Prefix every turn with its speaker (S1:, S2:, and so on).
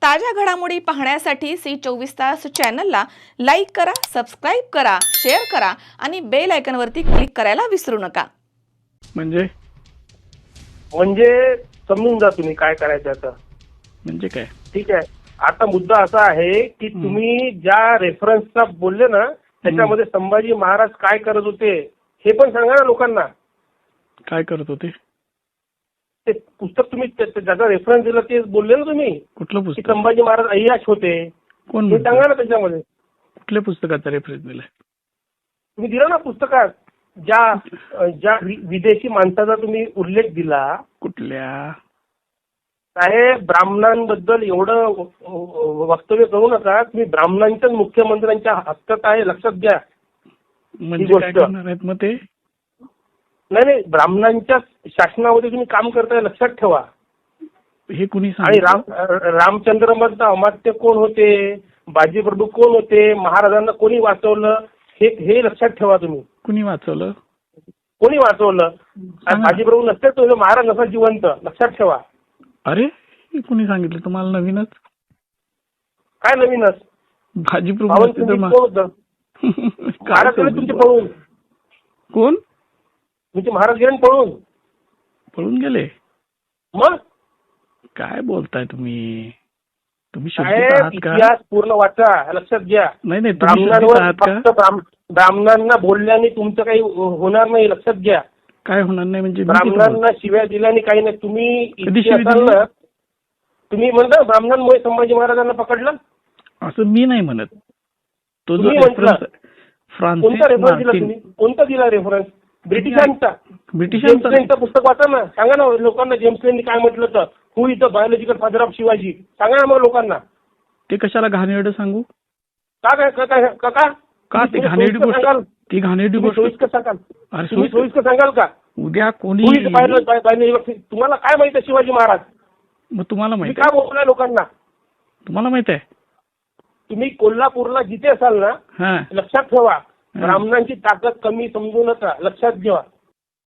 S1: ताज्या घडामोडी पाहण्यासाठी सी24 तास चॅनलला लाईक करा, सबस्क्राइब करा, शेअर करा आणि बेल आयकॉनवरती क्लिक करायला विसरू नका।
S2: म्हणजे
S3: समजून जा तुम्ही काय करायचं आता।
S2: म्हणजे काय?
S3: ठीक आहे, आता मुद्दा असा आहे की तुम्ही ज्या रेफरन्सचा बोलले ना त्याच्यामध्ये संभाजी महाराज काय करत होते हे पण सांगा ना लोकांना।
S2: काय करत होते?
S3: ते पुस्तक तुम्ही ज्याचा रेफरन्स दिला ते बोलले ना तुम्ही।
S2: कुठलं
S3: की
S2: पुस्तक?
S3: संभाजी महाराज अय्याश होते
S2: कोण
S3: हे
S2: म्हणतं?
S3: सांगा ना त्याच्यामध्ये।
S2: कुठल्या पुस्तकाचा रेफरन्स दिलाय?
S3: तुम्ही दिला ना पुस्तकात ज्या विदेशी माणसाचा तुम्ही उल्लेख दिला।
S2: कुठल्या?
S3: साहेब, ब्राह्मणांबद्दल एवढं वक्तव्य करू नका। तुम्ही ब्राह्मणांच्याच मुख्यमंत्र्यांच्या हक्कात आहे, लक्षात घ्या।
S2: म्हणजे काय करणार आहेत मग ते?
S3: नाही, ब्राह्मणांच्या शासनामध्ये तुम्ही काम करताय, लक्षात ठेवा।
S2: हे कुणी
S3: आणि
S2: सांगितलं?
S3: रामचंद्र मधलं अमात्य कोण होते, बाजीप्रभू कोण होते, महाराजांना कोणी वाचवलं हे लक्षात ठेवा तुम्ही।
S2: कुणी वाचवलं?
S3: कोणी वाचवलं? बाजीप्रभू नसते तो महाराज नसा जिवंत, लक्षात ठेवा।
S2: अरे, हे कुणी सांगितलं तुम्हाला? नवीनच?
S3: काय नवीनच?
S2: बाजीप्रभू
S3: कोण
S2: नसते तर
S3: होतं? महाराज गेले तुमचे पळून।
S2: कोण?
S3: तुमचे महाराज गेले पळून।
S2: पळून गेले?
S3: मग
S2: काय बोलताय तुम्ही? तुम्ही शुद्ध
S3: साहेब,
S2: आहात का?
S3: इतिहास पूर्ण वाचा, लक्षात घ्या।
S2: नाही नाही, तुम्ही शुद्ध
S3: ब्राह्मणांवर
S2: आहात का?
S3: फक्त ब्राह्मणांना बोलल्याने तुमचं काही होणार नाही, लक्षात घ्या।
S2: काय होणार नाही म्हणजे? मी किती बोलतो?
S3: ब्राह्मणांना शिव्या दिल्याने काही नाही। तुम्ही
S2: कधी शिवी
S3: इतिहासाला
S2: दिली?
S3: ना, तुम्ही म्हणता ब्राह्मणांमुळे संभाजी महाराजांना पकडलं,
S2: असं मी नाही म्हणत। तो जो
S3: तुम्ही म्हटलं।
S2: रेफरन्स फ्रान्सिस
S3: कोणता रेफरन्स दिला
S2: मार्टिन,
S3: तुम्ही? कोणता दिला रेफरन्स? ब्रिटिशांचा। जेम्स
S2: ब्रिटिशांचा
S3: लेनचं पुस्तक वाचा ना, सांगा ना लोकांना जेम्स लेननी काय म्हटलं तर who is the biological father of Shivaji, सांगा ना मग लोकांना।
S2: ते कशाला घाणेरडं सांगू? का ते घाणेरडी गोष्ट? ती घाणेरडी गोष्ट
S3: सोयीस्कर सांगाल?
S2: अरे
S3: तुम्ही
S2: सोयीस्कर
S3: सोयीस्कर सांगाल का?
S2: उद्या कोणी
S3: हु इज द बायोलॉजिकल, तुम्हाला काय माहिती आहे शिवाजी महाराज?
S2: मग तुम्हाला
S3: तुम्ही
S2: माहित
S3: काय
S2: आहे?
S3: बोलताय लोकांना?
S2: तुम्हाला माहित आहे?
S3: तुम्ही कोल्हापूरला जिथे असाल ना,
S2: हा,
S3: लक्षात ठेवा, ब्राह्मणांची ताकद कमी समजू नका, लक्षात घ्या।